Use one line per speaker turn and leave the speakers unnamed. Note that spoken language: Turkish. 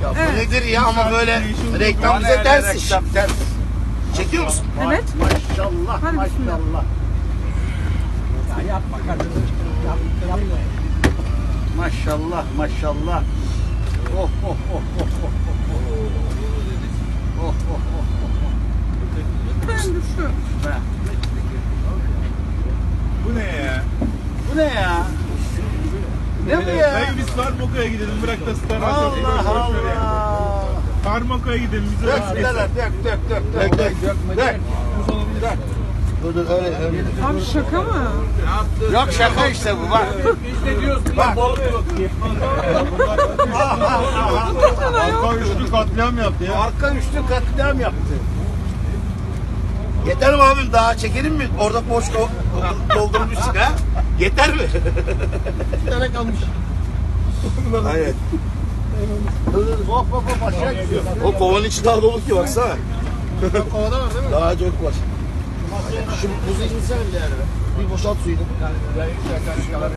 Ya bu
Evet.
nedir ya ama böyle reklam bize ters iş. Çekiyor musun?
Evet.
Maşallah
Hadi bismillah.
maşallah.
Ya yapma kardeşim. Yapma.
Maşallah maşallah. Oh oh oh oh oh oh. Oh oh oh oh.
Ben düştü.
Be.
Bu ne ya?
Bu ne ya? Ne bu ya?
Dayı biz Farmako'ya gidelim. Bırak da Star
Allah Allah.
Farmako'ya gidelim. Bize
Dök birader dök. Dök. Dur öyle.
Abi şaka mı?
Yok şaka işte bu bak.
Biz de diyoruz ki
Bak.
balık yok diye.
Arka üçlü katliam yaptı ya.
Arka üçlü katliam yaptı. Yeter mi abim? Daha çekelim mi? Orada boş doldurmuşsun ha? Yeter mi?
Bir tane kalmış.
Aynen. Hop hop hop aşağı gidiyor. O kovanın içi daha dolu ki baksana.
Kovada var değil mi?
Daha çok var. Şu buzu insene bir yere. Bir boşalt suyunu.